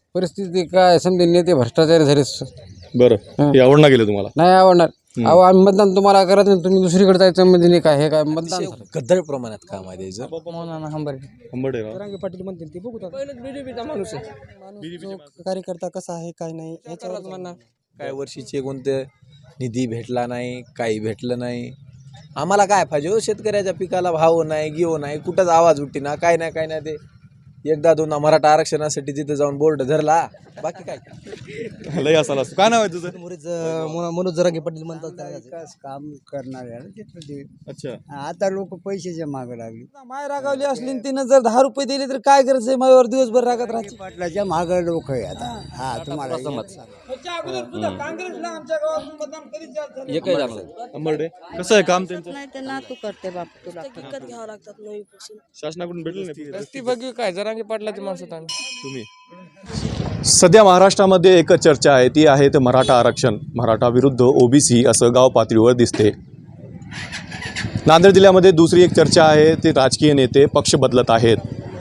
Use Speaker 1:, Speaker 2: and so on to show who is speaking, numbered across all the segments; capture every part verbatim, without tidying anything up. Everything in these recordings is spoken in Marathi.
Speaker 1: परिस्थिती काय समजे नेते भ्रष्टाचारी झाले.
Speaker 2: बरं हे आवडणार गेलं तुम्हाला?
Speaker 1: नाही आवडणार. अहो आम्ही मतदान तुम्हाला करत नाही, तुम्ही दुसरीकडे जायचं म्हणजे नाही काय हे काय मतदान
Speaker 3: गद्दार प्रमाणात काम आहे त्याचं.
Speaker 2: आंबेडकर
Speaker 1: पाटील म्हणतील ते बघू. बीजेपीचा माणूस आहे, कार्यकर्ता कसा आहे काय नाही याच्यावरच म्हणणार.
Speaker 3: काय वर्षीचे कोणते निधी भेटला नाही, काही भेटलं नाही. आम्हाला काय पाहिजे हो, शेतकऱ्याच्या पिकाला भाव नाही, गिव नाही, कुठंच आवाज उठती ना, काय नाही काय नाही. ते एकदा दोनदा मराठा आरक्षणासाठी तिथे जाऊन बोर्ड धरला, बाकी काय
Speaker 2: लय असाल असतो. काय नाव आहे तुझं?
Speaker 1: मनोज जरांगे पाटील म्हणतात
Speaker 4: विकास काम करणारे आहे तिथं ते.
Speaker 2: अच्छा.
Speaker 4: आता लोक पैशाच्या मागे लागली.
Speaker 1: माय रागावली असली आणि तिनं जर दहा रुपये दिले तर काय करायचं, मायावर दिवसभर रागत राहायची.
Speaker 4: पाटलाच्या मागे लोक आहे आता. हा तुम्हाला
Speaker 2: आंबेडकर कसं आहे काम त्यांचं?
Speaker 5: नाही तर नातू करते बाप तुला
Speaker 6: विकत घ्यावं लागतात नवीपासून.
Speaker 2: शासनाकडून भेटलं नाही
Speaker 1: ती बघू काय जरांगे पाटलाची माणसं आम्ही.
Speaker 2: तुम्ही? सध्या महाराष्ट्रामध्ये एक चर्चा आहे, ती आहे ते मराठा आरक्षण. मराठा विरुद्ध ओबीसी असं गाव पातळीवर दिसते. नांदेड जिल्ह्यामध्ये दुसरी एक चर्चा आहे, ते राजकीय नेते पक्ष बदलत आहेत.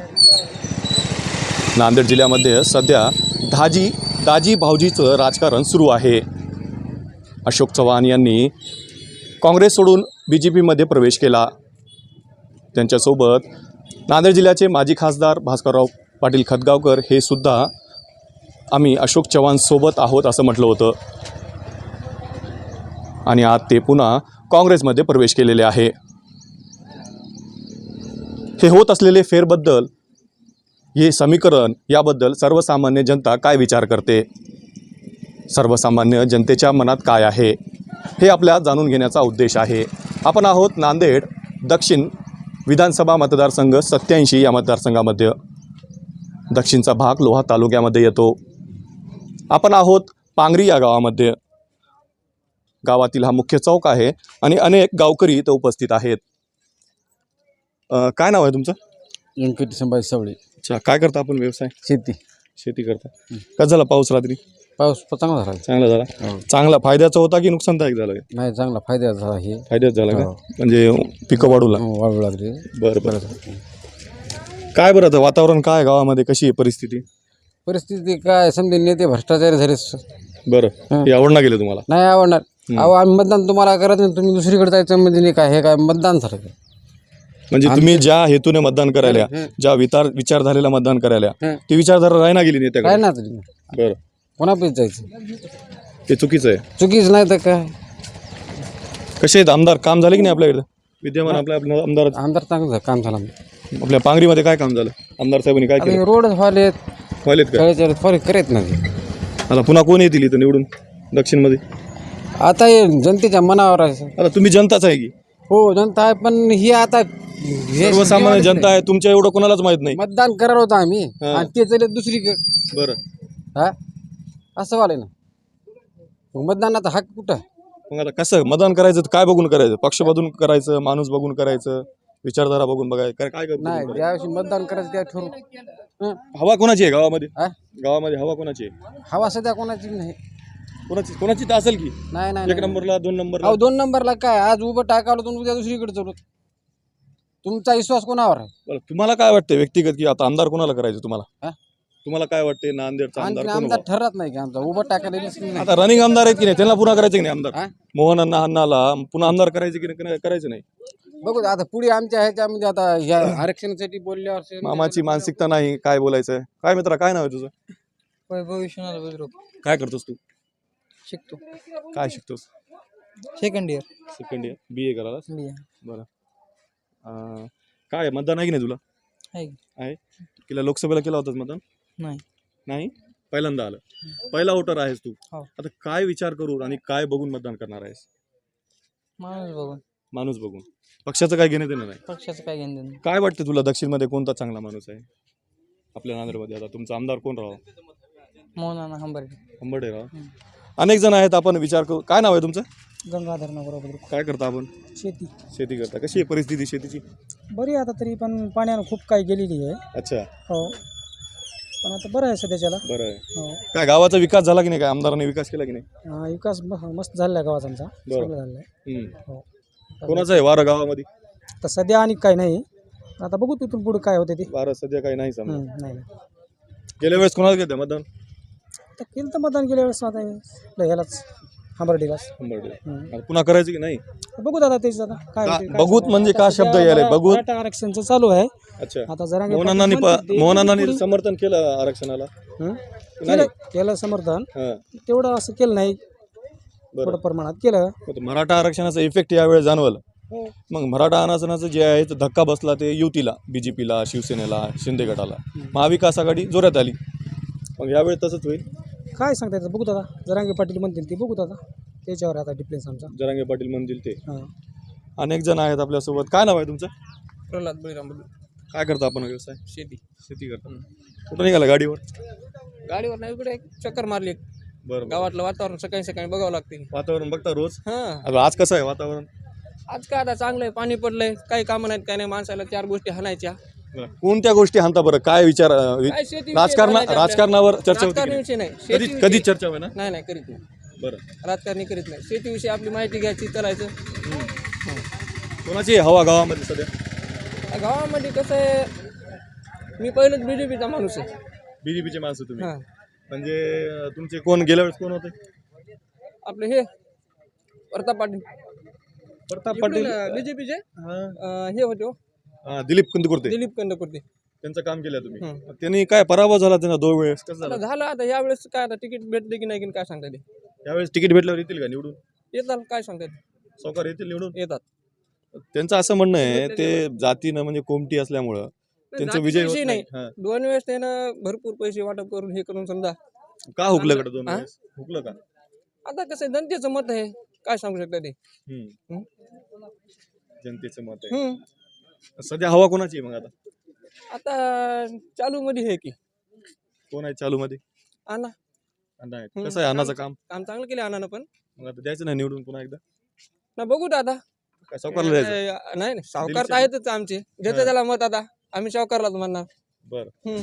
Speaker 2: नांदेड जिल्ह्यामध्ये सध्या दाजी दाजी भाऊजीचं राजकारण सुरू आहे. अशोक चव्हाण यांनी काँग्रेस सोडून बी जे पीमध्ये प्रवेश केला. त्यांच्यासोबत नांदेड जिल्ह्याचे माजी खासदार भास्करराव पाटील खतगावकर हे सुद्धा आम्ही अशोक चव्हाणसोबत आहोत असं म्हटलं होतं. आणि आज ते पुन्हा काँग्रेसमध्ये प्रवेश केलेले आहे. हे होत असलेले फेरबद्दल, हे समीकरण, याबद्दल सर्वसामान्य जनता काय विचार करते, सर्वसामान्य जनतेच्या मनात काय आहे, हे आपल्या जाणून घेण्याचा उद्देश आहे. आपण आहोत नांदेड दक्षिण विधानसभा मतदारसंघ सत्याऐंशी या मतदारसंघामध्ये. दक्षिणचा भाग लोहा तालुक्यामध्ये येतो. आपण आहोत पांगरी या गावामध्ये. गावातील हा मुख्य चौक आहे आणि अनेक गावकरी इथं उपस्थित आहेत. अ, काय नाव आहे तुमचं?
Speaker 1: व्यंकट संभाजी सावळे.
Speaker 2: अच्छा. काय करता आपण व्यवसाय?
Speaker 1: शेती.
Speaker 2: शेती करता. कसं झाला पाऊस रात्री?
Speaker 1: पाऊस चांगला झाला.
Speaker 2: चांगला झाला. चांगला फायद्याचा होता की नुकसानदायक झालं?
Speaker 1: नाही चांगला फायदा झाला. हे
Speaker 2: फायद्याच झाला का? म्हणजे पिकं वाढू लागली.
Speaker 1: वाढू लागले.
Speaker 2: बरं बरं. काय बरं आता वातावरण काय गावामध्ये, कशी आहे परिस्थिती?
Speaker 1: परिस्थिती काय समजे नेते भ्रष्टाचारी झाले.
Speaker 2: बरं हे आवडणार गेलं तुम्हाला?
Speaker 1: नाही आवडणार. अहो आम्ही मतदान तुम्हाला करत नाही, तुम्ही दुसरीकडे जायचं म्हणजे नाही काय हे काय मतदान झालं.
Speaker 2: म्हणजे तुम्ही ज्या हेतूने मतदान करायला, ज्या विचार विचारधारेला मतदान करायला, ती विचारधारा राही ना गेली नेत्या
Speaker 1: काय ना
Speaker 2: बरं
Speaker 1: कोणापैकी जायचं,
Speaker 2: ते चुकीचं आहे.
Speaker 1: चुकीच नाही तर काय.
Speaker 2: कसे आहेत आमदार, काम झाले की नाही आपल्याकडे विद्यमान? आपल्या आपल्या आमदार
Speaker 1: आमदार चांगलं काम झालं.
Speaker 2: आपल्या पांगरीमध्ये काय काम झालं? आमदार साहेबांनी काय केलं?
Speaker 1: रोड व्हायलेत,
Speaker 2: व्हायलेत का?
Speaker 1: फरक करत नाही.
Speaker 2: आता पुन्हा कोण येतील इथं निवडून दक्षिणमध्ये?
Speaker 1: आता हे जनतेच्या मनावर आहे.
Speaker 2: आता तुम्ही जनताच आहे की?
Speaker 1: हो जनता आहे, पण ही आता हे
Speaker 2: सर्वसामान्य जनता आहे, तुमच्या एवढं कोणालाच माहित नाही.
Speaker 1: मतदान करणार होतं आम्ही आणि ते चालले दुसरीकडे.
Speaker 2: बरं.
Speaker 1: हा असं वाले ना. मतदानाचा हक्क कुठं?
Speaker 2: मग आता कसं मतदान करायचं? काय बघून करायचं? पक्ष बघून करायचं, माणूस बघून करायचं, विचारधारा बघून बघायचं, काय काय
Speaker 1: नाही.
Speaker 2: करायचं?
Speaker 1: ज्यावेळी मतदान करायचं त्या ठरवून.
Speaker 2: हवा कोणाची आहे गावामध्ये?
Speaker 1: हा?
Speaker 2: गावामध्ये हवा कोणाची आहे?
Speaker 1: हवा सध्या कोणाची नाही.
Speaker 2: कोणाची कोणाची तर असेल की?
Speaker 1: नाही नाही
Speaker 2: एक नंबरला, दोन नंबरला?
Speaker 1: अहो दोन नंबरला काय, आज उभं टाकावलं तर उद्या दुसरीकडे चालू. तुमचा विश्वास कोणावर आहे?
Speaker 2: बरं, तुम्हाला काय वाटतं व्यक्तिगत की आता आमदार कोणाला करायचं तुम्हाला?
Speaker 1: हा?
Speaker 2: तुम्हाला काय वाटते नांदेडचा आमदार
Speaker 1: आणखी
Speaker 2: कोण
Speaker 1: आमदार
Speaker 2: व्हावं?
Speaker 1: ठरत नाही की आमचा उभं टाकायला रिस्क नाही.
Speaker 2: आता रनिंग आमदार आहेत की नाही, त्यांना पुन्हा करायचं की नाही आमदार?
Speaker 1: हा?
Speaker 2: मोहन अण्णा अण्णाला पुन्हा आमदार करायचं की नाही? करायचं नाही?
Speaker 1: बघू आता पुढे आमच्या ह्याच्यामध्ये आता ह्या आरक्षणासाठी बोलल्यावर
Speaker 2: मामाची मानसिकता नाही, काय बोलायचं? काय मित्रा, काय नाव आहे तुझं?
Speaker 1: वैभव विश्वनाथ बुद्रुक.
Speaker 2: काय करतोस तू?
Speaker 1: शिकतो.
Speaker 2: काय शिकतोस?
Speaker 1: Second year.
Speaker 2: Second year B A करायला? बरं. अं, काय मतदान आहे की नाही तुला? आहे. केला लोकसभेला केला होतास मतदान?
Speaker 1: नाही.
Speaker 2: नाही, पहिल्यांदा आलं. पहिला वोटर आहेस तू.
Speaker 1: हो.
Speaker 2: आता काय विचार करून आणि काय बघून मतदान करणार आहेस?
Speaker 1: माणूस बघून.
Speaker 2: माणूस बघून. पक्षाचं काय घेणं देणं नाही?
Speaker 1: पक्षाचं काय घेणं देणं.
Speaker 2: काय वाटतं तुला दक्षिणमध्ये कोणता चांगला माणूस आहे आपल्या नांदेडमध्ये? आता तुमचा आमदार कोण राहावं?
Speaker 1: मोहन हंबर्डे.
Speaker 2: हंबर्डे राव. अनेक जण आहेत, आपण विचार करू. काय नाव आहे तुमचं?
Speaker 1: गंगाधर नगर.
Speaker 2: काय करता आपण?
Speaker 1: शेती.
Speaker 2: शेती करता. कशी आहे परिस्थिती शेतीची?
Speaker 1: बरी आता तरी, पण पाण्यानं खूप काही गेलेली आहे.
Speaker 2: अच्छा.
Speaker 1: हो, पण आता बरं आहे सध्याच्याला.
Speaker 2: बरं आहे.
Speaker 1: हो.
Speaker 2: काय गावाचा विकास झाला की नाही? काय आमदारांनी विकास केला की नाही?
Speaker 1: हा, विकास म- मस्त झाला गावाचा आमचा. चांगला झाला आहे.
Speaker 2: हम्म.
Speaker 1: हो.
Speaker 2: कोणाचं आहे वारं गावामध्ये?
Speaker 1: तर सध्या आणि काही नाही. आता बघू तिथून पुढे काय होते ते.
Speaker 2: वारं सध्या काही नाही समजा.
Speaker 1: हम्म, नाही नाही.
Speaker 2: गेल्या वेळेस कोणाला घेतं मतदान?
Speaker 1: आता केलं तर मतदान गेल्या वेळेस आता हे- ह्यालाच हंबर्डीलाच
Speaker 2: आता पुन्हा करायचं की नाही?
Speaker 1: बघू दादा तेच दादा काय
Speaker 2: का-
Speaker 1: होते, काय
Speaker 2: बघूत
Speaker 1: सांगता.
Speaker 2: म्हणजे
Speaker 1: आता
Speaker 2: का
Speaker 1: सध्या
Speaker 2: शब्द यायलाय?
Speaker 1: मरा-
Speaker 2: बघूत?
Speaker 1: मराठा आरक्षणचं चालू आहे.
Speaker 2: अच्छा,
Speaker 1: आता जरांगे
Speaker 2: मोहनांनी
Speaker 1: पाटील म्हणतील ते-
Speaker 2: मोहनांनी
Speaker 1: पुढे-
Speaker 2: समर्थन केलं आरक्षणाला?
Speaker 1: हं? केलं केलं समर्थन
Speaker 2: हां,
Speaker 1: तेवढं असं केलं नाही,
Speaker 2: बरं.
Speaker 1: थोडं प्रमाणात केलं.
Speaker 2: आता मराठा आरक्षणाचा इफेक्ट यावेळेस जाणवलं. मग मराठा आरक्षणाचं जे आहे ते धक्का बसला ते युतीला, बीजेपीला, शिवसेनेला, शिंदे गटाला. महाविकास आघाडी जोरात आली. मग यावेळेस तसंच होईल.
Speaker 1: काय सांगता येतं बघू दादा, जरांगे पाटील म्हणतील ते बघू दादा, त्याच्यावर आता डिफरन्स आमचा.
Speaker 2: जरांगे पाटील म्हणतील ते.
Speaker 1: हां.
Speaker 2: अनेक जण आहेत आपल्यासोबत. काय नाव आहे तुमचं?
Speaker 1: प्रल्हाद बळीराम
Speaker 2: काय करता आपण व्यवसाय?
Speaker 1: शेती.
Speaker 2: शेती करता. कुठं निघाला गाडीवर?
Speaker 1: गाडीवर नाही, इकडे एक चक्कर मारली.
Speaker 2: बरं,
Speaker 1: गावातलं वातावरण सकाळी सकाळी बघावं लागते.
Speaker 2: वातावरण बघता रोज?
Speaker 1: हां.
Speaker 2: आता आज कसं आहे वातावरण?
Speaker 1: आज काय आता चांगलं आहे, पाणी पडलंय, काही कामं नाहीत, काही नाही, माणसाला चार गोष्टी हाणायच्या.
Speaker 2: कोणत्या गोष्टी हाणता बरं? काय विचार अं,
Speaker 1: काय शेती
Speaker 2: राजकारण राजकारणावर चर्चा होती की नाही?
Speaker 1: राजकारणाविषयी नाही,
Speaker 2: कधी
Speaker 1: शेतीविषयी-
Speaker 2: कधी चर्चा होय ना?
Speaker 1: नाही नाही करीत नाही,
Speaker 2: बरं.
Speaker 1: राजकारणी करीत नाही. शेतीविषयी आपली माहिती घ्यायची, करायचं.
Speaker 2: कोणाची आहे हवा गावामध्ये सध्या?
Speaker 1: या गावामध्ये कसं आहे, मी पहिलंच बीजेपीचा माणूस आहे.
Speaker 2: बीजेपीचे माणसं तुम्ही?
Speaker 1: हां.
Speaker 2: म्हणजे अं, तुमचे कोण गेल्या वेळेस कोण होते?
Speaker 1: आपले हे प्रताप पाटील
Speaker 2: प्रताप पाटील.
Speaker 1: बीजेपीचे
Speaker 2: हां,
Speaker 1: हे होते हो,
Speaker 2: हां, दिलीप कंदकुर्ते.
Speaker 1: दिलीप कंदकुर्ते.
Speaker 2: त्यांचं काम केलं तुम्ही.
Speaker 1: हं.
Speaker 2: त्यांनी काय पराभव झाला त्यांना दोन वेळेस? कसं
Speaker 1: आता
Speaker 2: झालं?
Speaker 1: झालं आता यावेळेस काय आता तिकीट भेटले की नाही की काय सांगता ते
Speaker 2: त्यावेळेस तिकीट भेटल्यावर येतील का निवडून?
Speaker 1: येतात, काय सांगता ते
Speaker 2: सावकार येतील निवडून?
Speaker 1: येतात.
Speaker 2: त्यांचं असं म्हणणं आहे ते जातीनं म्हणजे कोमटी असल्यामुळं त्यांचा विजय होत
Speaker 1: जातीविषयी
Speaker 2: नाही.
Speaker 1: नाही,
Speaker 2: हां.
Speaker 1: दोन वेळेस त्यानं भरपूर पैसे वाटप करून हे करून समजा.
Speaker 2: का हुकलं कडे दोन
Speaker 1: हां?
Speaker 2: वेळेस? हुकलं का?
Speaker 1: आता कसं आहे, जनतेचं मत आहे, काय सांगू शकता ते.
Speaker 2: हम्म.
Speaker 1: हं?
Speaker 2: जनतेचं मत आहे.
Speaker 1: हं.
Speaker 2: सध्या हवा कोणाची आहे मग आता?
Speaker 1: आता चालू मध्ये हे की
Speaker 2: कोण आहे चालू मध्ये?
Speaker 1: आणा
Speaker 2: अण्णा आहेत.
Speaker 1: हं.
Speaker 2: कसं आहे अण्णाचं काम?
Speaker 1: काम चांगलं केलं अण्णानं, पण
Speaker 2: मग आता द्यायचं नाही निवडून पुन्हा एकदा?
Speaker 1: ना बघू दादा.
Speaker 2: काय सावकारला द्यायचं?
Speaker 1: नाही नाही, सावकार
Speaker 2: दिलीप
Speaker 1: तर आहेतच आमचे, देते त्याला मत. आता आम्ही सावकारलाच म्हणणार.
Speaker 2: बरं.
Speaker 1: हं.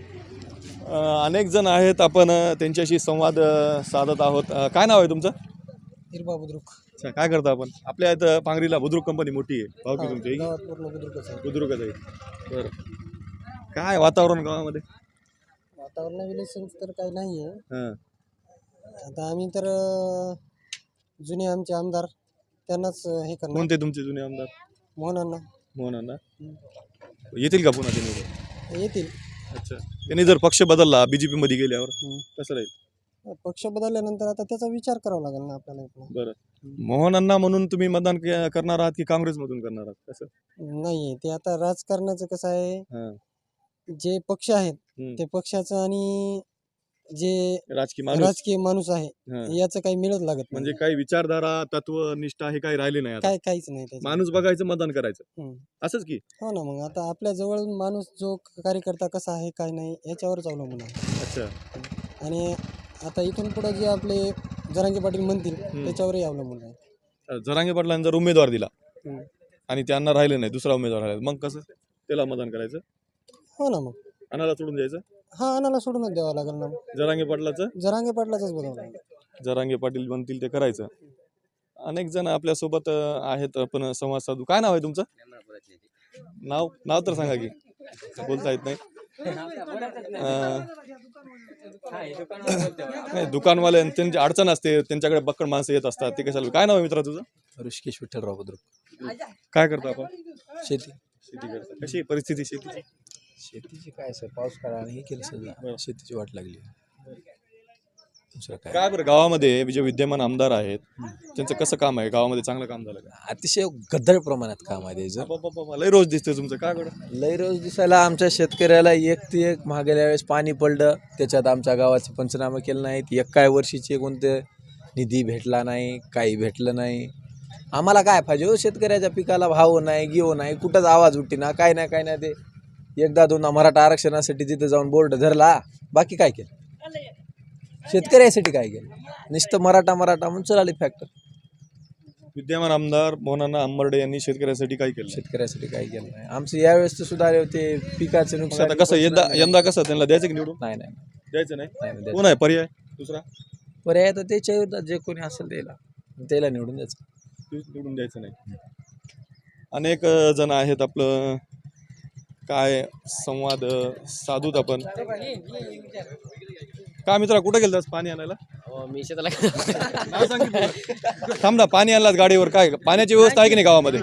Speaker 2: अं, अनेक जण आहेत, आपण अं, त्यांच्याशी संवाद अं, साधत आहोत. अं, काय नाव आहे तुमचं?
Speaker 1: हिरबा बुद्रुक.
Speaker 2: अच्छा, काय करता आपण? आपल्या इथं पांगरीला बुद्रुक कंपनी मोठी आहे, भाऊ की तुमची?
Speaker 1: गावात पूर्ण बुद्रुकच आहे.
Speaker 2: बुद्रुकच आहे. बरं. काय वातावरण गावामध्ये?
Speaker 1: वातावरण रिलेशन तर काही नाही आहे.
Speaker 2: हां.
Speaker 1: आता आम्ही तर अं, जुने आमचे आमदार त्यांनाच अं, हे करणार.
Speaker 2: कोणते तुमचे जुने आमदार?
Speaker 1: मोहनांना
Speaker 2: मोहन अण्णा येतील का पुन्हा ते निवडून?
Speaker 1: येतील.
Speaker 2: अच्छा, त्यांनी जर पक्ष बदलला बीजेपी मध्ये गेल्यावर
Speaker 1: हं.
Speaker 2: कसं राहील?
Speaker 1: पक्ष बदलल्यानंतर आता त्याचा विचार करावा लागेल ना आपल्याला इकडं.
Speaker 2: बरं. मोहन अण्णा म्हणून तुम्ही मतदान के- करणार आहात की काँग्रेसमधून करणार आहात? कसं?
Speaker 1: नाही, ते आता राजकारणाचं कसं आहे,
Speaker 2: हां.
Speaker 1: जे पक्ष आहेत
Speaker 2: हं.
Speaker 1: ते पक्षाचं आणि जे
Speaker 2: राजकीय माणूस.
Speaker 1: राजकीय माणूस आहे
Speaker 2: हां.
Speaker 1: याचं काही मिळत लागत नाही.
Speaker 2: म्हणजे काही विचारधारा, तत्व, निष्ठा हे काही राहिले नाही आता.
Speaker 1: काय काहीच नाही त्याच्यात.
Speaker 2: माणूस बघायचं, मतदान करायचं,
Speaker 1: हं.
Speaker 2: असंच की?
Speaker 1: हो ना, मग आता आपल्या जवळ माणूस जो कार्यकर्ता कसा आहे काय नाही याच्यावरच अवलंबून आहे.
Speaker 2: अच्छा.
Speaker 1: आणि आता इथून पुढे जे आपले जरांगे पाटील म्हणतील त्याच्यावरही अवलंबून आहे.
Speaker 2: जरांगे पाटलांनी जर उमेदवार दिला
Speaker 1: हं.
Speaker 2: आणि त्यांना राहिले नाही, दुसरा उमेदवार राहिला, मग कसं त्याला मतदान करायचं?
Speaker 1: हो ना, मग
Speaker 2: अनाला सोडून द्यायचं?
Speaker 1: हा अनाला सोडूनच द्यावं लागेल ना.
Speaker 2: जरांगे पाटलाचं?
Speaker 1: जरांगे पाटलाच बघावं लागेल.
Speaker 2: जरांगे पाटील म्हणतील ते करायचं. अनेक जण आपल्यासोबत अं, आहेत, आपण संवाद साधू. काय नाव आहे तुमचं? नाव नाव तर सांगा की, बोलता येत नाही. अं, नाही, दुकानवाले त्यांची अडचण असते, त्यांच्याकडे बक्कड माणसं येत असतात, ते कशाला? काय नाव आहे मित्रा तुझं?
Speaker 3: ऋषिकेश विठ्ठलराव बुद्रुक.
Speaker 2: काय करतो आपण?
Speaker 3: शेती.
Speaker 2: शेती करता. कशी आहे परिस्थिती शेतीची?
Speaker 3: शेतीची काय सर, पाऊस काळा आणि हे केलं सगळं, शेतीची वाट लागली. दुसरं काय,
Speaker 2: काय बरं गावामध्ये जे विद्यमान आमदार आहेत त्यांचं कसं काम आहे? गावामध्ये चांगलं काम झालं का?
Speaker 3: अतिशय गद्दळ प्रमाणात काम आहे त्याचं.
Speaker 2: बाबा, लय रोज दिसते तुमचं. काय बरं?
Speaker 3: लय रोज दिसायला आमच्या शेतकऱ्याला एक ते एक मागेल्या वेळेस पाणी पडलं, त्याच्यात आमच्या गावाचे पंचनामे केले नाहीत. एक काय वर्षीचे कोणते निधी भेटला नाही, काही भेटलं नाही. आम्हाला काय पाहिजे हो, शेतकऱ्याच्या पिकाला भाव नाही, गिव नाही, कुठंच आवाज उठती ना, काय नाही काय नाही. ते एकदा दोनदा मराठा आरक्षणासाठी तिथे जाऊन बोर्ड धरला, बाकी काय केलं? शेतकऱ्यासाठी काय केलं? नुसतं मराठा मराठा म्हणून चलाली फॅक्टर.
Speaker 2: विद्यमान आमदार मोहनांना अंबर्डे यांनी शेतकऱ्यासाठी काय केलं?
Speaker 3: शेतकऱ्यासाठी काय केलं नाही. आमचं यावेळेस तर सुद्धा ते पिकाचे
Speaker 2: मग
Speaker 3: नुकसान.
Speaker 2: आता कसं यंदा यंदा कसं त्यांना द्यायचं की निवडून?
Speaker 3: नाही नाही
Speaker 2: द्यायचं नाही.
Speaker 3: नाही नाही
Speaker 2: कोण आहे पर्याय दुसरा?
Speaker 3: पर्याय तर त्याच्या विरोधात जे कोणी असेल त्याला त्याला निवडून द्यायचं.
Speaker 2: निवडून द्यायचं नाही. अनेक अ, जण आहेत, आपलं काय संवाद अ, साधूत आपण. का मित्रा कुठे गेलतास पाणी आणायला?
Speaker 7: मी शेताला
Speaker 2: नाव सांग की तुला. थांब ना, पाणी आणलास गाडीवर, काय पाण्याची व्यवस्था आहे की नाही गावामध्ये?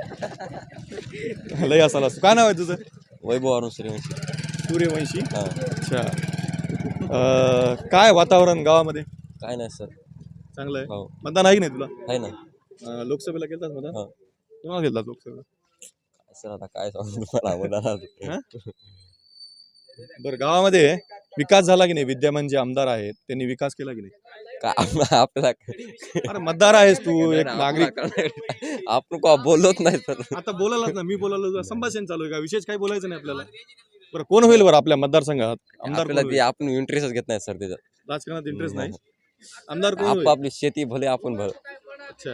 Speaker 2: लय असाल असं. काय नाव आहे तुझं?
Speaker 7: वैभव अरुण सूर्यवंशी.
Speaker 2: सूर्यवंशी. अच्छा. अं, काय वातावरण गावामध्ये?
Speaker 7: काय नाही सर.
Speaker 2: चांगलं आहे.
Speaker 7: हो
Speaker 2: मतदान आहे की नाही तुला?
Speaker 7: आहे ना.
Speaker 2: अं, लोकसभेला गेलतास मतदान?
Speaker 7: हो.
Speaker 2: कोणाला गेलतास लोकसभेला?
Speaker 7: सर आता काय सांगू तुम्हाला मतदानात.
Speaker 2: हा? बरं, गावामध्ये विकास झाला की नाही? विद्यमान जे आमदार आहेत त्यांनी विकास केला की नाही?
Speaker 7: का आपल्याला
Speaker 2: अरे मतदार आहेस तू, एक नागरिक.
Speaker 7: आपण का बोलत नाही सर.
Speaker 2: आता बोलायलाच ना, मी बोलायला संभाषण चालू आहे का? विशेष काही बोलायचं नाही आपल्याला. बरं, कोण होईल बरं आपल्या मतदारसंघात आमदार?
Speaker 7: आपल्याला
Speaker 2: कोण
Speaker 7: ते
Speaker 2: होईल?
Speaker 7: आपण इंटरेस्टच घेत नाही सर त्याच्यात.
Speaker 2: राजकारणात इंटरेस्ट नाही. आमदार कोण
Speaker 7: आप
Speaker 2: होईल?
Speaker 7: आपली शेती भले आपण भर.
Speaker 2: अच्छा.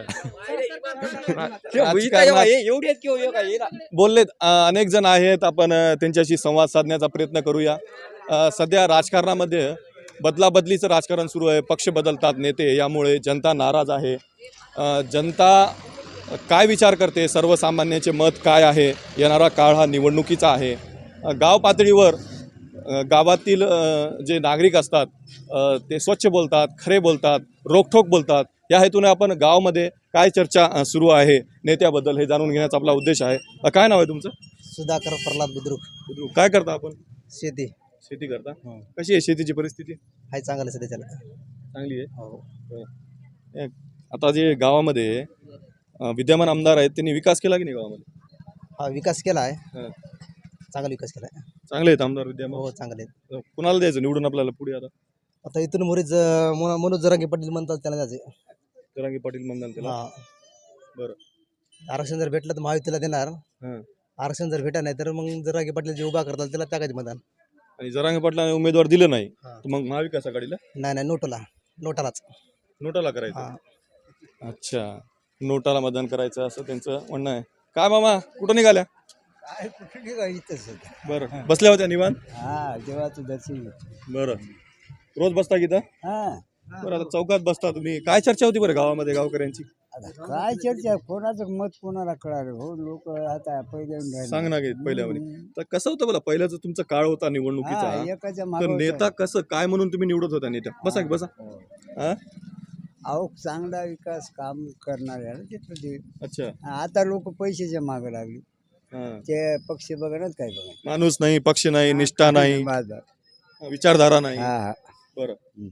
Speaker 2: राजकारणात बोललेत अं, अनेक जण आहेत. आपण अं, त्यांच्याशी संवाद साधण्याचा प्रयत्न करूया. अं, सध्या राजकारणामध्ये बदलाबदलीचं राजकारण सुरू आहे. पक्ष बदलतात नेते, यामुळे जनता नाराज आहे. अं, जनता काय विचार करते, सर्वसामान्यांचे मत काय आहे? येणारा काळ हा निवडणुकीचा आहे. अं, गाव पातळीवर अं, गावातील अं, जे नागरिक असतात अं, ते स्वच्छ बोलतात, खरे बोलतात, रोखठोक बोलतात. या हेतूने आपण गावामध्ये काय चर्चा अं, सुरू आहे नेत्याबद्दल हे जाणून घेण्याचा आपला उद्देश आहे. अं, काय नाव आहे तुमचं?
Speaker 1: सुधाकर प्रल्हाद बुद्रुक.
Speaker 2: बुद्रुक. काय करता आपण?
Speaker 1: शेती
Speaker 2: शेती करता. कशी आहे शेतीची परिस्थिती?
Speaker 1: हाय चांगलं सध्या त्याला.
Speaker 2: चांगली आहे. बरं. आता जे गावामध्ये अं, विद्यमान आमदार आहेत त्यांनी विकास केला की नाही गावामध्ये?
Speaker 1: हा विकास केला आहे.
Speaker 2: हां.
Speaker 1: चांगला विकास केला आहे.
Speaker 2: चांगले आहेत आमदार विद्यमान.
Speaker 1: हो चांगले आहेत.
Speaker 2: कुणाला द्यायचं निवडून आपल्याला पुढे? आता
Speaker 1: आता इथून मुरीच मनोज जरांगे पाटील म्हणतात त्याला द्यायचे.
Speaker 2: जरांगे पाटील म्हणतात त्याला.
Speaker 1: हा
Speaker 2: बरं.
Speaker 1: आरक्षण जर भेटलं तर महायुतीला देणार.
Speaker 2: हां.
Speaker 1: आरक्षण जर भेटा नाही तर मग जरांगे पाटील जे उभा करतात त्याला टाकायचे मतदान.
Speaker 2: आणि जरांगे पाटलाने उमेदवार दिलं नाही
Speaker 1: हा.
Speaker 2: तर मग महाविकास आघाडीला
Speaker 1: नाही नाही नोटला नोटालाच.
Speaker 2: नोटाला करायचं.
Speaker 1: हा
Speaker 2: अच्छा, नोटाला मतदान करायचं असं त्यांचं म्हणणं आहे. काय मामा कुठं निघाल्या?
Speaker 4: काय कुठे निघायचंच
Speaker 2: बरं, बसल्या होत्या निवांत?
Speaker 4: हा देवाचं दर्शन घेतो.
Speaker 2: बरं. रोज बसता की इथं?
Speaker 4: हा
Speaker 2: बरं, आता चौकात बसता तुम्ही. काय चर्चा होती बरं गावामध्ये गावकऱ्यांची?
Speaker 4: आता काय चर्चा, कोणाचं मत कोणाला कळालं हो. लोक आता पहिले
Speaker 2: सांग ना, पहिल्यावर तर कसं होतं बोला, पहिल्याच तुमचा काळ होता निवडणुकीचा,
Speaker 4: एकाच्या
Speaker 2: तर
Speaker 4: मागे
Speaker 2: नेता कसं काय म्हणून तुम्ही निवडत होता नेत्या? बसा की बसा. हा?
Speaker 4: अहो चांगला विकास काम करणाऱ्याला तिथं ते.
Speaker 2: अच्छा.
Speaker 4: आता लोक पैशाच्या मागे लागली.
Speaker 2: हा.
Speaker 4: ते पक्ष बघणार काय बघा.
Speaker 2: माणूस नाही, पक्ष नाही, निष्ठा नाही,
Speaker 4: बाजार.
Speaker 2: विचारधारा नाही.
Speaker 4: हा हा
Speaker 2: बरं.
Speaker 4: हम्म.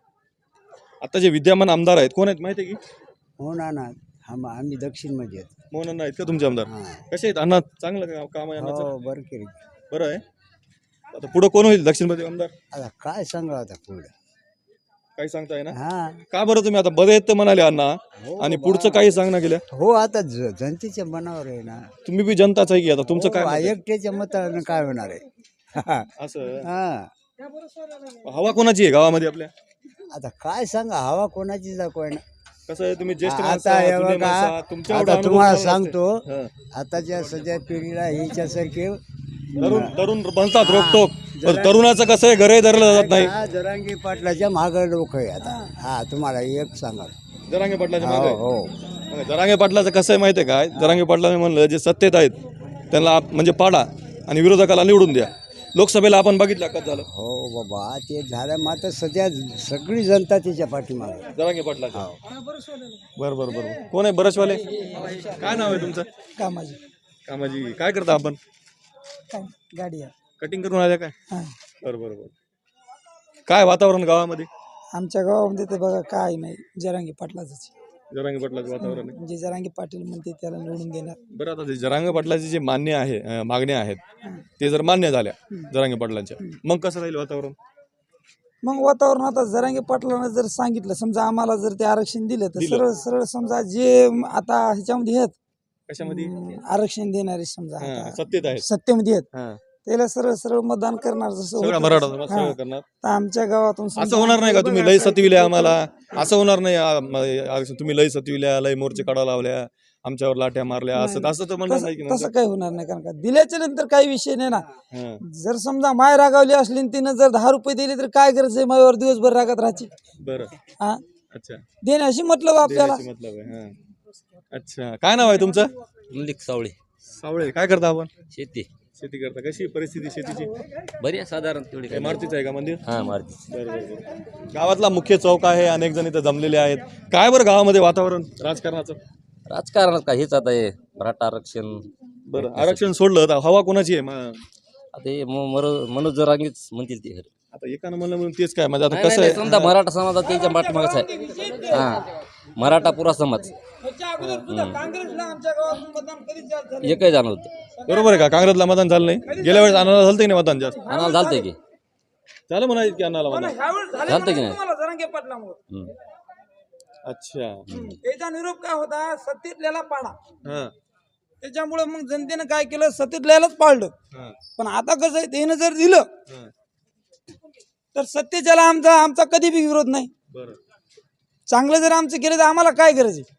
Speaker 2: आता जे विद्यमान आमदार आहेत कोण आहेत माहिती आहे की?
Speaker 4: हो ना ना आम आम्ही दक्षिण मध्ये आहेत.
Speaker 2: मोहन अण्णा आहेत का तुमचे आमदार?
Speaker 4: हा.
Speaker 2: कसे आहेत अण्णा? चांगलं का- काम आहे अण्णाचं?
Speaker 4: हो बरं केली.
Speaker 2: बरं आहे. आता पुढं कोण होईल दक्षिण मध्ये आमदार?
Speaker 4: आता काय सांगा आता पुढं.
Speaker 2: काही सांगताय ना?
Speaker 4: हा
Speaker 2: का बरं तुम्ही आता बरे आहेत तर म्हणाले अण्णा,
Speaker 4: हो
Speaker 2: आणि
Speaker 4: बा.
Speaker 2: पुढचं काही सांग ना गेल्या?
Speaker 4: हो आता ज- जनतेच्या मनावर आहे ना.
Speaker 2: तुम्ही बी जनताच आहे की आता तुमचं
Speaker 4: हो,
Speaker 2: काय मत आहे?
Speaker 4: एकट्याच्या मतानं काय होणार आहे.
Speaker 2: असं
Speaker 4: हा
Speaker 2: हवा कोणाची आहे गावामध्ये आपल्या?
Speaker 4: आता काय सांगा हवा कोणाची दाखवाय ना.
Speaker 2: कसं आहे, तुम्ही ज्येष्ठ माणसं
Speaker 4: आता
Speaker 2: आहात,
Speaker 4: हे
Speaker 2: जुने
Speaker 4: बघा,
Speaker 2: माणसं आहात, तुमच्या एवढा
Speaker 4: आता
Speaker 2: अनुभव
Speaker 4: तुम्हाला
Speaker 2: चांगला असते.
Speaker 4: सांगतो
Speaker 2: हं.
Speaker 4: आताच्या सध्या पिढीला ह्याच्यासारखे
Speaker 2: तरुण तरुण बनतात रोकटोक, पण तरुणाचं कसं आहे, घरही धरलं जात नाही.
Speaker 4: हा, जरांगी पाटलाच्या मागं लोक आहे आता. हा तुम्हाला एक सांगा.
Speaker 2: जरांगे पाटलाच्या
Speaker 4: हो
Speaker 2: मागे.
Speaker 4: हो
Speaker 2: जरांगे पाटलाचं कसं आहे माहिती आहे काय? जरांगे पाटलाने म्हणलं जे सत्तेत आहेत त्यांना आप- म्हणजे पाडा आणि विरोधकाला निवडून द्या. लोकसभेला आपण बघितलं कसं झालं
Speaker 4: हो बाबा ते झालं मात्र सध्या सगळी जनता त्याच्या पाठीमागे.
Speaker 2: जरांगे पाटलाचं. बरं बरं बरं. कोण आहे बरसवाले? काय नाव आहे तुमचं?
Speaker 1: कामाजी
Speaker 2: कामाजी. काय करता आपण?
Speaker 1: गाडी आहे.
Speaker 2: कटिंग करून आल्या काय?
Speaker 1: हा.
Speaker 2: बरं बरं बरं. काय वातावरण गावामध्ये?
Speaker 1: आमच्या गावामध्ये तर बघा काय नाही, जरांगे पाटलाच.
Speaker 2: जरांगे पाटलाचं वातावरण आहे.
Speaker 1: जे जरांगे पाटील म्हणते त्याला निवडून देणार.
Speaker 2: बरं, आता ते जरांगे पाटलाचे जे मान्य आहे अं, मागण्या आहेत ते जर मान्य झाल्या जरांगे पाटलांच्या, मग कसं राहील वातावरण?
Speaker 1: मग वातावरण आता जरांगे पाटलांना जर सांगितलं, समजा आम्हाला जर ते आरक्षण दिलं तर
Speaker 2: दिलं.
Speaker 1: सरळ सरळ समजा जे आता ह्याच्यामध्ये आहेत
Speaker 2: कशामध्ये?
Speaker 1: अं, आरक्षण देणारे समजा
Speaker 2: हां,
Speaker 1: आता
Speaker 2: सत्तेत आहेत.
Speaker 1: सत्तेमध्ये आहेत
Speaker 2: हां.
Speaker 1: त्याला सरळ सरळ मतदान करणार. जसं
Speaker 2: सगळा
Speaker 1: होतं
Speaker 2: मराठा
Speaker 1: तसं.
Speaker 2: समाज
Speaker 1: हा.
Speaker 2: सगळं करणार.
Speaker 1: तर आमच्या गावातून
Speaker 2: असं
Speaker 1: समजा
Speaker 2: होणार नाही का तुम्ही लय
Speaker 1: बघा,
Speaker 2: सतविल्या आम्हाला? असं होणार नाही आ- म- आ- तुम्ही लय सतविल्या, लय मोर्चे काढा लावल्या, आमच्यावर लाट्या मारल्या, असं असं तर म्हणणार नाही की
Speaker 1: तसं
Speaker 2: नंतर?
Speaker 1: तसं काही होणार नाही. कारण का दिल्याच्या नंतर काही विषय नाही ना.
Speaker 2: हां.
Speaker 1: जर समजा माय रागावली असली आणि तिनं जर दहा रुपये दिले तर काय गरज आहे मायावर दिवसभर रागात राहायची?
Speaker 2: बरं.
Speaker 1: हा
Speaker 2: अच्छा.
Speaker 1: देण्याशी मतलब आपल्याला.
Speaker 2: देण्याची मतलब आहे. हां. अच्छा. काय नाव आहे तुमचं?
Speaker 7: लिख सावळे.
Speaker 2: सावळे. काय करता आपण?
Speaker 7: शेती.
Speaker 2: शेती करता. कशी परिस्थिती शेतीची?
Speaker 7: बरी आहे साधारण तेवढी
Speaker 2: काय मारुतीचं आहे का मंदिर?
Speaker 7: हा मारती.
Speaker 2: बरं बरं बरं. गावातला मुख्य चौक आहे, अनेक जण इथं जमलेले आहेत. काय बरं गावामध्ये वातावरण राजकारणाचं?
Speaker 7: राजकारणात काय हेच आता हे मराठा आरक्षण.
Speaker 2: बरं, आरक्षण सोडलं तर हवा कोणाची आहे? म-
Speaker 7: आता हे म- मरो- मनोज जरांगेच म्हणतील ते खरं.
Speaker 2: आता एकानं म्हणलं म्हणून तेच काय म्हणजे आता
Speaker 7: नाही,
Speaker 2: कसं
Speaker 7: नाही,
Speaker 2: आहे?
Speaker 7: समजा मराठा समाजात त्याच्या पाठीमागच आहे. हा मराठा पुरा समाज एकही जाणं होतं.
Speaker 2: बरोबर आहे का? काँग्रेसला मतदान झालं नाही, गेल्या वेळेस अनाला झालं की नाही मतदान जास्त?
Speaker 7: आणायला झालतंय की
Speaker 2: झालं म्हणायचं की अनाला मतदान?
Speaker 7: झालतंय की नाही. हम्म.
Speaker 2: अच्छा.
Speaker 8: याचा निरोप काय होता, सत्तेतल्याला पाडा.
Speaker 2: हा
Speaker 8: त्याच्यामुळे मग जनतेनं काय केलं, सत्तेतल्यालाच पाळलं.
Speaker 2: हा
Speaker 8: पण आता कसं आहे, त्यानं जर दिलं
Speaker 2: हा.
Speaker 8: तर सत्तेच्याला आमचा आमचा कधी बी विरोध नाही.
Speaker 2: बरं.
Speaker 8: चांगलं जर आमचं केलं तर आम्हाला काय गरज आहे?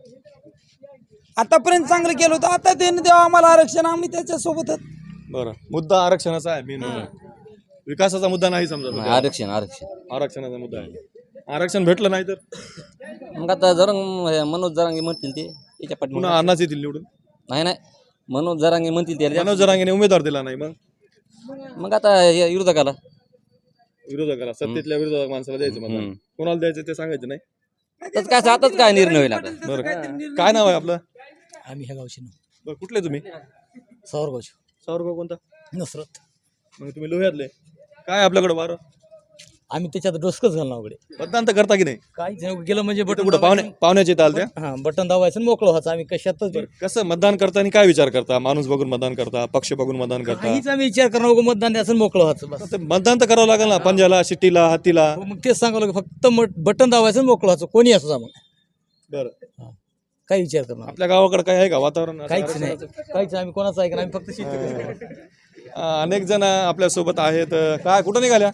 Speaker 8: आतापर्यंत चांगलं केलं होतं, आता त्यानं द्यावं आम्हाला आरक्षण, आम्ही त्याच्या सोबतच.
Speaker 2: बरं, मुद्दा आरक्षणाचा आहे मेन. विकासाचा मुद्दा नाही समजा.
Speaker 7: नाही, आरक्षण आरक्षण
Speaker 2: आरक्षणाचा मुद्दा आहे. आरक्षण भेटलं नाही तर
Speaker 7: मग आता जरंग हे मनोज जरांगे म्हणतील ते त्याच्या पाठीमागं.
Speaker 2: पुन्हा अण्णाच येतील निवडून.
Speaker 7: नाही नाही मनोज जरांगे म्हणतील ते
Speaker 2: मनोज जरांगेने उमेदवार दिला नाही, मग
Speaker 7: मग आता हे विरोधकाला
Speaker 2: विरोधकाला, सत्तेतल्या विरोधक माणसाला द्यायचं मतदान.
Speaker 7: हम्म.
Speaker 2: कोणाला द्यायचं ते सांगायचं नाही.
Speaker 7: आताच काय आताच काय निर्णय होईल आता.
Speaker 2: बरं, काय नाव आहे आपलं?
Speaker 1: आम्ही ह्या गावचे
Speaker 2: बरं, कुठले तुम्ही?
Speaker 1: सावरगावचे
Speaker 2: सावरगाव कोणता?
Speaker 1: नसरत.
Speaker 2: मग तुम्ही लोह्यातले. काय आपल्याकडे वारं?
Speaker 1: आम्ही त्याच्यात डोसकच घालणार वगैरे
Speaker 2: मतदान तर करता की नाही?
Speaker 1: काहीच गेलं म्हणजे
Speaker 2: कुठं कुठं पाहुणे पाहुण्याचे ताल त्या?
Speaker 1: हा बटन दाबायचं आणि मोकळं व्हायचं. आम्ही कशातच
Speaker 2: बरं, कसं मतदान करताना काय विचार करता? माणूस बघून मतदान करता, पक्ष बघून मतदान करता?
Speaker 1: काहीच आम्ही विचार करणं नको, मतदान द्यायचं आणि मोकळं व्हायचं बस.
Speaker 2: ते मतदान तर करावं लागेल ना, पंजाला, शिट्टीला, हत्तीला.
Speaker 1: हो, मग तेच सांगावं लागेल, फक्त बटन दाबायचं आणि मोकळं व्हायचं, कोणी असं मग
Speaker 2: बरं,
Speaker 1: काही विचार करणार
Speaker 2: आपल्या गावाकडे काय आहे का वातावरण?
Speaker 1: काहीच नाही, काहीच आम्ही कोणाचं ऐकणार, आम्ही फक्त शेती.
Speaker 2: अं, अनेक जण आपल्या सोबत आहेत. काय कुठं निघाल्या?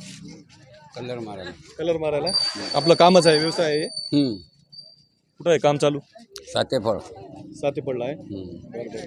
Speaker 3: कलर मारायला.
Speaker 2: कलर मारायला. आपलं कामच आहे, व्यवसाय आहे. कुठं आहे काम चालू?
Speaker 3: सातेफळ.
Speaker 2: साथी पडला आहे.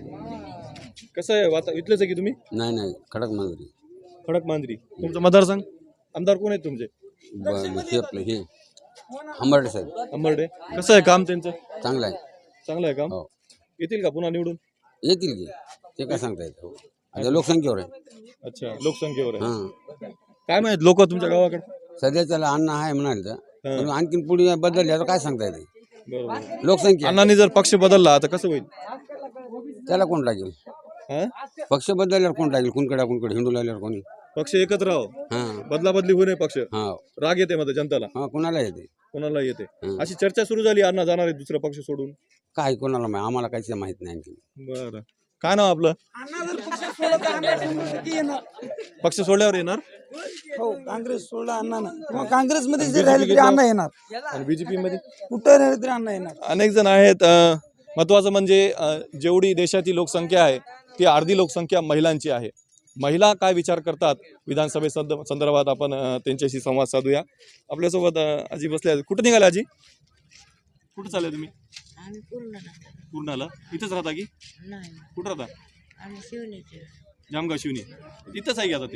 Speaker 2: कसं आहे वाता इथलेच आहे की तुम्ही?
Speaker 3: नाही नाही खडक मांजरी.
Speaker 2: खडक मांजरी. तुमचा मतदारसंघ? आमदार कोण आहेत तुमचे?
Speaker 3: हे आपलं हे हंबर्डे साहेब.
Speaker 2: अंबर्डे. कसं आहे काम त्यांचं?
Speaker 3: चांगलं आहे.
Speaker 2: चांगलं आहे काम.
Speaker 3: हो.
Speaker 2: येतील का पुन्हा निवडून?
Speaker 3: येतील की ते काय सांगता येतं. आता लोकसंख्येवर आहे.
Speaker 2: अच्छा, लोकसंख्येवर आहे.
Speaker 3: हां
Speaker 2: काय माहित लोक तुमच्या गावाकडे?
Speaker 3: सध्या त्याला अन्न आहे म्हणाले तर
Speaker 2: हां.
Speaker 3: पण आणखीन पुढे बदलले तर काय सांगता येते.
Speaker 2: बरोबर.
Speaker 3: लोकसंख्या
Speaker 2: अण्णांनी जर पक्ष बदलला तर कसं होईल?
Speaker 3: त्याला कोण लागेल?
Speaker 2: हा?
Speaker 3: पक्ष बदलल्यावर कोण लागेल? कुणकडे कुणकडे हिंदू लागल्यावर कोणी?
Speaker 2: पक्ष एकत्र राहो,
Speaker 3: हां
Speaker 2: बदला बदली होऊ नये पक्ष.
Speaker 3: हां
Speaker 2: राग येते मध्ये जनताला,
Speaker 3: हां कोणाला येते?
Speaker 2: कोणाला येते.
Speaker 3: हं.
Speaker 2: अशी चर्चा सुरू झाली, अण्णा जाणार आहे दुसरा पक्ष सोडून.
Speaker 3: काय कोणाला माहिती? आम्हाला काहीच माहित नाही आणखी.
Speaker 2: बरं, काय नाव आपलं?
Speaker 8: अण्णा जर पक्ष सोडला तर आम्ही शंभर टक्के येणार.
Speaker 2: पक्ष सोडल्यावर येणार.
Speaker 8: हो, काँग्रेस सोडला अण्णा ना, किंवा काँग्रेसमध्ये जर राहिले तरी अण्णा येणार,
Speaker 2: आणि बीजेपी मध्ये
Speaker 8: कुठं राहिले तरी अण्णा येणार.
Speaker 2: अनेक जण आहेत. अं, महत्त्वाचं म्हणजे अं, जेवढी देशाची लोकसंख्या आहे ती अर्धी लोकसंख्या महिलांची आहे. महिला काय विचार करतात विधानसभे संद संदर्भात आपण अं, त्यांच्याशी संवाद साधूया. आपल्यासोबत अं, आजी बसल्या आहेत. कुठं निघाले आजी? कुठं चालले तुम्ही?
Speaker 5: आम्ही पूर्ण
Speaker 2: पूर्णाला. इथंच राहता की
Speaker 5: नाही,
Speaker 2: कुठं राहता?
Speaker 5: आम्ही शिवनेचे.
Speaker 2: जामगाव शिवनी. इथंच आहे की आता ते?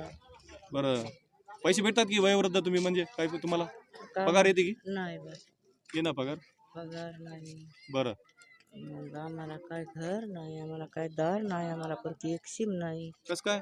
Speaker 2: बरं, पैसे भेटतात की वयोवृद्ध तुम्ही, म्हणजे काय तुम्हाला पगार येते की?
Speaker 5: नाही बस
Speaker 2: ये ना पगार.
Speaker 5: पगार नाही.
Speaker 2: बरं,
Speaker 5: मग आम्हाला काय घर नाही, आम्हाला काय दार नाही, आम्हाला कोणती एक सीम नाही.
Speaker 2: कसं काय?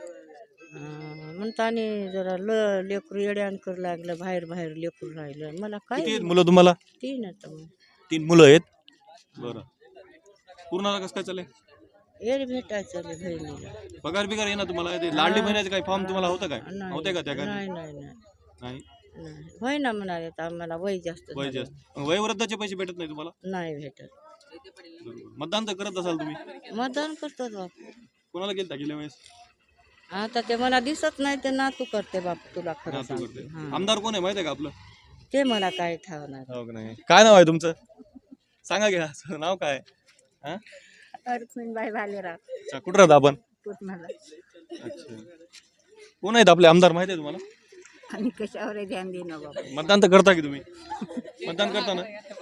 Speaker 5: अं, म्हणताने जरा ल लेकरू येड्यान करू लागलं, बाहेर बाहेर लेकरू राहिलं. मला
Speaker 2: किती
Speaker 5: काय
Speaker 2: आहेत मुलं तुम्हाला?
Speaker 5: तीन आता मग
Speaker 2: तीन मुलं आहेत. बरं, पूर्णाला कसं काय चालेल?
Speaker 5: येड भेटायचं रे बहिणीला.
Speaker 2: पगार बिगार आहे ना तुम्हाला? ते लाडली महिन्याचे काही फॉर्म तुम्हाला होतं काय?
Speaker 5: नाही
Speaker 2: होते का त्या काय?
Speaker 5: नाही नाही नाही
Speaker 2: नाही.
Speaker 5: नाही. होय ना म्हणाले, तर आम्हाला वय जास्त
Speaker 2: वय
Speaker 5: झालं.
Speaker 2: जास्त. मग वयोवृद्धाचे पैसे भेटत नाही तुम्हाला?
Speaker 5: नाही भेटत.
Speaker 2: बरोबर. मतदान तर करत असाल तुम्ही?
Speaker 5: मतदान करतात बापू.
Speaker 2: कोणाला गेलता गेल्या वेळेस?
Speaker 5: आता ते मला दिसत नाही, ते नातू करते बापू, तुला खरं
Speaker 2: नातू
Speaker 5: सांगते.
Speaker 2: करते.
Speaker 5: हां.
Speaker 2: आमदार कोण आहे माहिती आहे का आपलं?
Speaker 5: ते मला काय ठावणार.
Speaker 2: हो का नाही? काय नाव आहे तुमचं? सांगा घ्या. नाव काय? हा?
Speaker 5: रुक्मिणबाई भालेराव
Speaker 2: अच्छा, कुठं राहता आपण?
Speaker 5: पूर्णाला.
Speaker 2: अच्छा, कोण आहेत आपले आमदार माहिती आहे तुम्हाला?
Speaker 5: आणि कशावर ध्यान देणं बाबा.
Speaker 2: मतदान तर करता की तुम्ही? मतदान करता ना?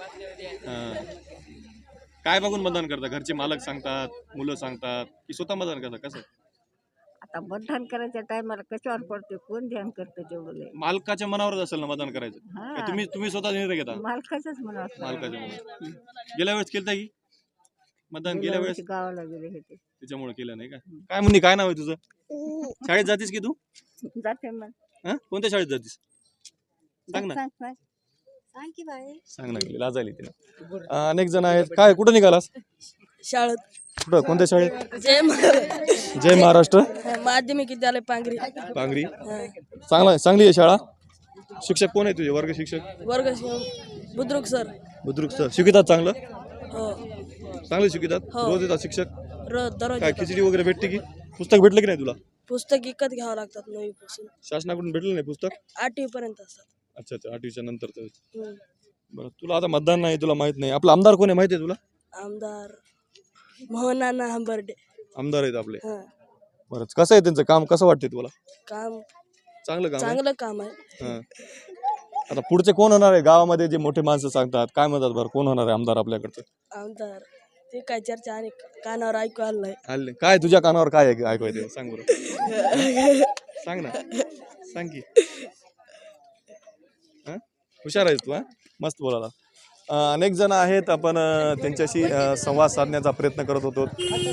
Speaker 2: हां. काय बघून मतदान करता? घरचे मालक सांगतात, मुलं सांगतात, की स्वतः मतदान करता? कसं?
Speaker 5: आता मतदान करायच्या टायमाला कशावर पडते, कोण ध्यान करतं तेवढं लय.
Speaker 2: मालकाच्या मनावरच असेल ना मतदान करायचं.
Speaker 5: हा.
Speaker 2: का तुम्ही तुम्ही स्वतः निर्णय घेता?
Speaker 5: मालकाच्याच म्हणा.
Speaker 2: मालकाच्या मनावर. गेल्या वेळेस केलता की मतदान गेल्या वेळेस
Speaker 5: गावाला गेले होते
Speaker 2: त्याच्यामुळे केलं नाही का? काय म्हणणी, काय नाव आहे तुझं? शाळेत जातीस की तू?
Speaker 5: जाते मग
Speaker 2: हा, कोणत्या शाळेत जातीस? सांग ना,
Speaker 6: सांग की बाई
Speaker 2: सांग ना, लाजायली तिला. अनेक जण आहेत. काय, कुठं निघालास?
Speaker 6: शाळेत
Speaker 2: कुठं, कोणत्या शाळेत?
Speaker 6: जय मा-
Speaker 2: जय महाराष्ट्र
Speaker 6: माध्यमिक विद्यालय पांगरी
Speaker 2: पांगरी.
Speaker 6: हा.
Speaker 2: चांगला, चांगली आहे शाळा. शिक्षक कोण आहे तुझे, वर्ग शिक्षक?
Speaker 6: वर्ग शिव- बुद्रुक सर
Speaker 2: बुद्रुक सर शिकवतात चांगलं?
Speaker 6: हो
Speaker 2: चांगले शिकवतात?
Speaker 6: हो.
Speaker 2: रोज येतात शिक्षक?
Speaker 6: र दररोज
Speaker 2: काय
Speaker 6: येतात.
Speaker 2: खिचडी वगैरे भेटते की? पुस्तक भेटलं की नाही तुला?
Speaker 6: पुस्तक विकत घ्यावं लागतात नवी पासून
Speaker 2: शासनाकडून भेटलं नाही पुस्तक?
Speaker 6: आठवी पर्यंत असतात.
Speaker 2: अच्छा अच्छा, आठवीच्या नंतरचं.
Speaker 6: हम्म.
Speaker 2: बरं, तुला आता मतदान नाही, तुला माहित नाही. आपला आमदार कोण आहे माहिती आहे तुला?
Speaker 6: आमदार मोहनाना हंबर्डे.
Speaker 2: आमदार आहेत आपले.
Speaker 6: हा.
Speaker 2: बरं, कसं आहे त्यांचं काम, कसं वाटते तुला?
Speaker 6: काम
Speaker 2: चांगलं काम आहे?
Speaker 6: चांगलं काम आहे.
Speaker 2: हां. आता पुढचे कोण होणार आहे गावामध्ये, जे मोठे माणसं सांगतात, काय म्हणतात बरं, कोण होणार आहे आमदार आपल्याकडचं?
Speaker 6: आमदार ते काय चर्चा आणि कानावर ऐकू आलं नाही.
Speaker 2: आले काय तुझ्या कानावर, काय आहे ऐकू येते सांग बरं. सांग ना, सांग की. हां, हुशार आहेस तू. हां, मस्त बोलायला. अं, अनेक जण आहेत, आपण अं, त्यांच्याशी अं, संवाद साधण्याचा प्रयत्न करत होतो.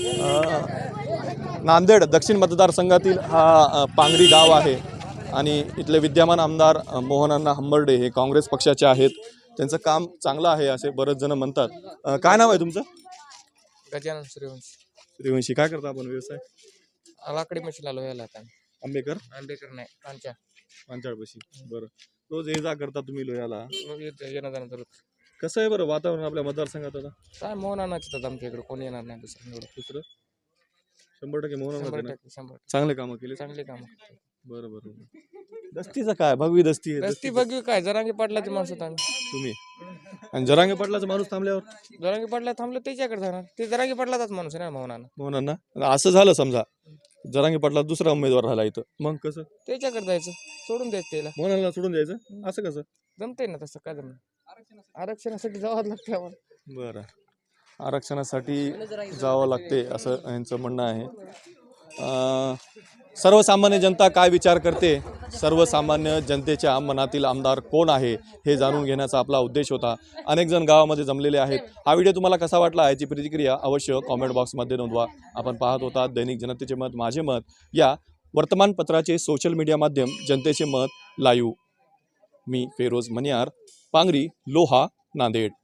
Speaker 2: अं, नांदेड दक्षिण मतदारसंघातील हा अं, पांगरी गाव आहे आणि इथले विद्यमान आमदार अं, मोहनअण्णा हंबर्डे हे काँग्रेस पक्षाचे आहेत. त्यांचं काम चांगलं आहे असे बरेच जण म्हणतात. अं, काय नाव आहे तुमचं?
Speaker 9: गजानन सूर्यवंशी.
Speaker 2: सूर्यवंशी. काय करता आपण व्यवसाय?
Speaker 9: लाकडी मशीन आलो याला आता
Speaker 2: आंबेकर
Speaker 9: आंबेकर नाही पांच्या
Speaker 2: पांचाळपाशी. बरं, रोज ये जा करता तुम्ही लोह्याला.
Speaker 9: मग येतं येणं जाणं तर
Speaker 2: कसं आहे बरं वातावरण आपल्या मतदारसंघात आता?
Speaker 9: काय मोहन आणायचं आमच्या इकडे कोणी येणार नाही दुसरं एवढं.
Speaker 2: दुसरं शंभर टक्के मोहन
Speaker 9: शंभर
Speaker 2: ना.
Speaker 9: टक्के शंभर टक्के.
Speaker 2: चांगले कामं केले.
Speaker 9: चांगली काम
Speaker 2: बरं बरं बरं. दस्तीचं काय, भगवी दस्ती आहे.
Speaker 9: रस्ती
Speaker 2: दस्तीचं
Speaker 9: बघू काय जरांगी पाटलाची माणसं होतो आम्ही.
Speaker 2: तुम्ही आणि जरांगे पाटलाचा माणूस थांबल्यावर
Speaker 9: जरांगी पाटला थांबलं त्याच्याकडे जाणार ते जरांगी पाटलाचाच माणूस आहे ना मोहनानं
Speaker 2: मोहनांना असं झालं समजा, जरांगे पाटला दुसरा उमेदवार झाला इथं, मग कसं
Speaker 9: त्याच्याकडे जायचं सोडून द्यायचं त्याला.
Speaker 2: मोहनाला सोडून द्यायचं? असं कसं
Speaker 9: जमतंय ना तसं काय जमणार आरक्षणासाठी जावं लागतं आम्हाला.
Speaker 2: बरं, आरक्षणासाठी जावं लागते असं यांचं म्हणणं आहे. अं, सर्वसामान्य जनता काय विचार करते, सर्वसामान्य जनतेच्या मनातील आमदार कोण आहे हे जाणून घेण्याचा आपला उद्देश होता. अनेक जण गावामध्ये जमलेले आहेत. हा व्हिडिओ तुम्हाला कसा वाटला याची प्रतिक्रिया अवश्य कॉमेंट बॉक्समध्ये नोंदवा. आपण पाहत होता दैनिक जनतेचे मत माझे मत या वर्तमानपत्राचे सोशल मीडिया माध्यम जनतेचे मत लाईव्ह. मी फेरोज मनियार, पांगरी, लोहा, नांदेड.